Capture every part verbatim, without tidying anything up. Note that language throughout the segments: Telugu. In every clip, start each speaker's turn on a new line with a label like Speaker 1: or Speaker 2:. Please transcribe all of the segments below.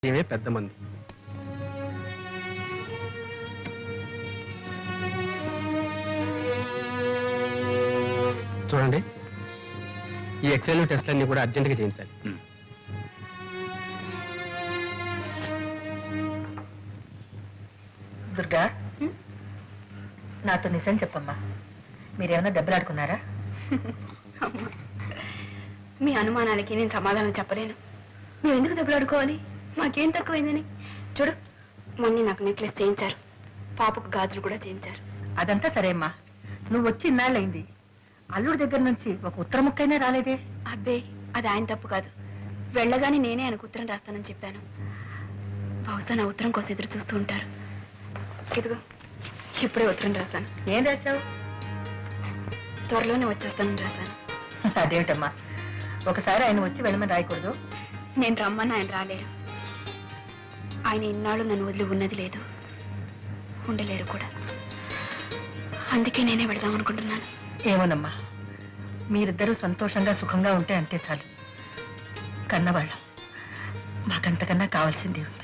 Speaker 1: ఇవే పెద్ద మంది. చూడండి, ఈ ఎక్సెల్ టెస్ట్లన్నీ కూడా అర్జెంటుగా చేయించాలి.
Speaker 2: దుర్గా, నాతో నిజం చెప్పమ్మా, మీరేమన్నా దెబ్బలాడుకున్నారా?
Speaker 3: మీ అనుమానాలకి నేను సమాధానం చెప్పలేను. మేము ఎందుకు దెబ్బలాడుకోవాలి? మాకేం తక్కువైందని. చూడు, మొన్న నాకు నెక్లెస్ చేయించారు, పాపకు గాజులు కూడా చేయించారు.
Speaker 2: అదంతా సరే అమ్మా, నువ్వు వచ్చి ఇన్నాళ్ళయింది, అల్లుడి దగ్గర నుంచి ఒక ఉత్తర ముక్కైనా రాలేదే?
Speaker 3: అబ్బే, అది ఆయన తప్పు కాదు. వెళ్ళగానే నేనే ఆయనకు ఉత్తరం రాస్తానని చెప్పాను. బహుశా నా ఉత్తరం కోసం ఎదురు చూస్తూ ఉంటారు. ఇదిగో, ఇప్పుడే ఉత్తరం రాశాను.
Speaker 2: ఏం రాశావు?
Speaker 3: త్వరలోనే వచ్చేస్తానని రాశాను.
Speaker 2: అదేమిటమ్మా, ఒకసారి ఆయన వచ్చి వెళ్ళమని రాయకూడదు?
Speaker 3: నేను రమ్మని ఆయన రాలేరు. ఆయన ఇన్నాళ్ళు నన్ను వదిలి ఉన్నది లేదు, ఉండలేరు కూడా. అందుకే నేనే వెళదాం అనుకుంటున్నాను.
Speaker 2: ఏమోనమ్మా, మీరిద్దరూ సంతోషంగా సుఖంగా ఉంటే అంతే చాలు. కన్నవాళ్ళం, మాకంతకన్నా కావాల్సింది ఉంది.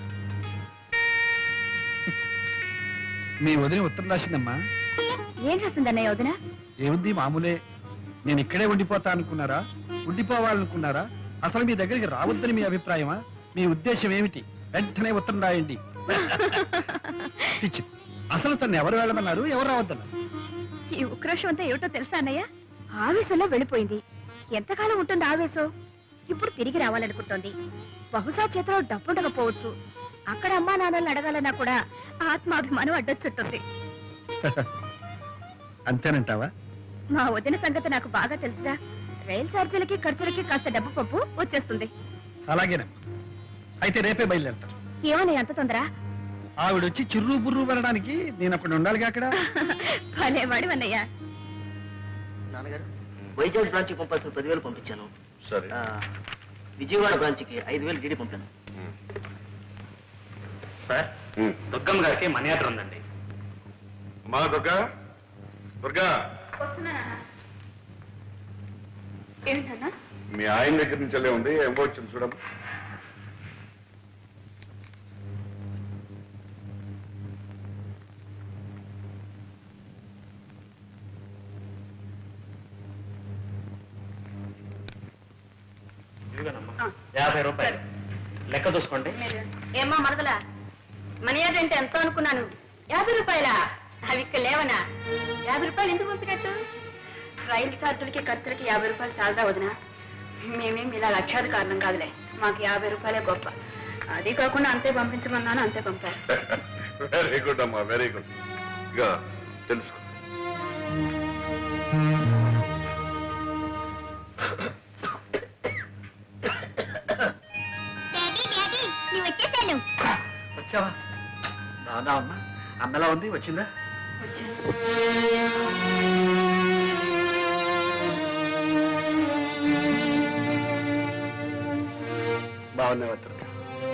Speaker 4: మీ వదిన ఉత్తరం రాసిందమ్మా.
Speaker 3: ఏం రాసిందన్నయ్య వదిన?
Speaker 4: ఏముంది, మామూలే. నేను ఇక్కడే ఉండిపోతా అనుకున్నారా, ఉండిపోవాలనుకున్నారా, అసలు మీ దగ్గరికి రావద్దని మీ అభిప్రాయమా? మీ ఉద్దేశం ఏమిటి? వెంటనే ఉత్తరం రాయండి. పిచ్చి, అసలు తను ఎవరు వెళ్ళమన్నారు, ఎవరు రావద్దన్నారు?
Speaker 3: ఈ ఉక్రోషం అంతా ఏమిటో తెలుసా అన్నయ్య? ఆవేశంలో వెళ్ళిపోయింది. ఎంతకాలం ఉంటుంది ఆవేశం? ఇప్పుడు తిరిగి రావాలనుకుంటోంది. బహుశా చేతిలో డబ్బుండకపోవచ్చు. అక్కడ అమ్మా నాన్నల్ని అడగాలన్నా కూడా ఆత్మాభిమానం అడ్డొచ్చుంటుంది.
Speaker 4: అంతేనంటావా?
Speaker 3: మా వదిన సంగతి నాకు బాగా తెలుసుగా. రైలు ఛార్జీలకి ఖర్చులకి కాస్త డబ్బు పప్పు వచ్చేస్తుంది.
Speaker 4: అలాగేనమ్మా, అయితే రేపే బయలుదేరతాను.
Speaker 3: ఏమని అంత తొందర?
Speaker 4: ఆవిడొచ్చి చిర్రు బుర్రు పడడానికి నేను అక్కడ ఉండాలిగా. అక్కడ
Speaker 3: భలేవాడి అన్నయ్య.
Speaker 5: నాన్నగారు, వైజాగ్ బ్రాంచ్ కి పంపాల్సిన పదివేలు పంపించాను.
Speaker 6: సరే.
Speaker 5: విజయవాడ బ్రాంచ్ కి ఐదు వేలు డీడీ పంపాను.
Speaker 1: సార్, దుర్గమ్మ గారికి మనీ ఆర్డర్ ఉందండి.
Speaker 6: మా దుర్గా, దుర్గా,
Speaker 3: ఏంటన్నా?
Speaker 6: మీ ఆయన దగ్గర నుంచి వెళ్ళే ఉంది, ఏమో వచ్చింది చూడమ్మా.
Speaker 1: యాభై రూపాయలు లెక్క చూసుకోండి.
Speaker 3: ఏమ్మా మరదలా, మనీ ఆర్డర్ అంటే ఎంతో అనుకున్నాను. యాభై రూపాయలా? అవి ఇక్కడ లేవనా? యాభై రూపాయలు ఎందుకు పంపినట్టు? రైలు ఛార్జీలకి ఖర్చులకి యాభై రూపాయలు చాలదా వదినా? మేమేం ఇలా లక్షాది కారణం కాదులే, మాకు యాభై రూపాయలే గొప్ప. అది కాకుండా అంతే పంపించమన్నాను, అంతే పంపారు.
Speaker 6: వెరీ గుడ్ అమ్మా, వెరీ గుడ్. ఇక తెలుసుకో.
Speaker 4: వచ్చావా? బాగా అమ్మా, అన్నలా ఉంది, వచ్చిందా? బాగున్నావా దుర్గా?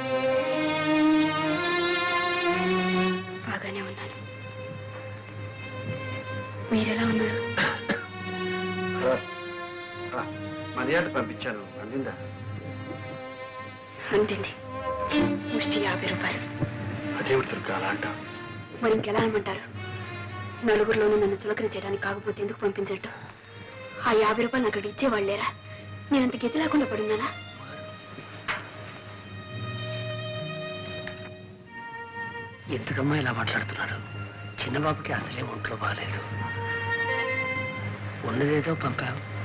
Speaker 3: బాగానే ఉన్నాను. మీరెలా ఉన్నారు?
Speaker 4: మర్యాద పంపించాను, అందిందా?
Speaker 3: అంతింది. ముష్టి యాభై రూపాయలు.
Speaker 4: అదేవిడు దుర్గా అలా అంటావు?
Speaker 3: మరి ఇంకెలా అనమంటారు? నలుగురిలోనూ నన్ను చులకన చేయడానికి కాకపోతే ఎందుకు పంపించట్టు? ఆ యాభై రూపాయలు నాకు అక్కడ ఇచ్చేవాళ్ళేరా? నేనంత గతి లేకుండా పడున్నానా?
Speaker 5: ఎందుకమ్మా ఇలా మాట్లాడుతున్నారు? చిన్నబాబుకి అసలే ఒంట్లో బాగాలేదు. ఉన్నదేదో పంపావు,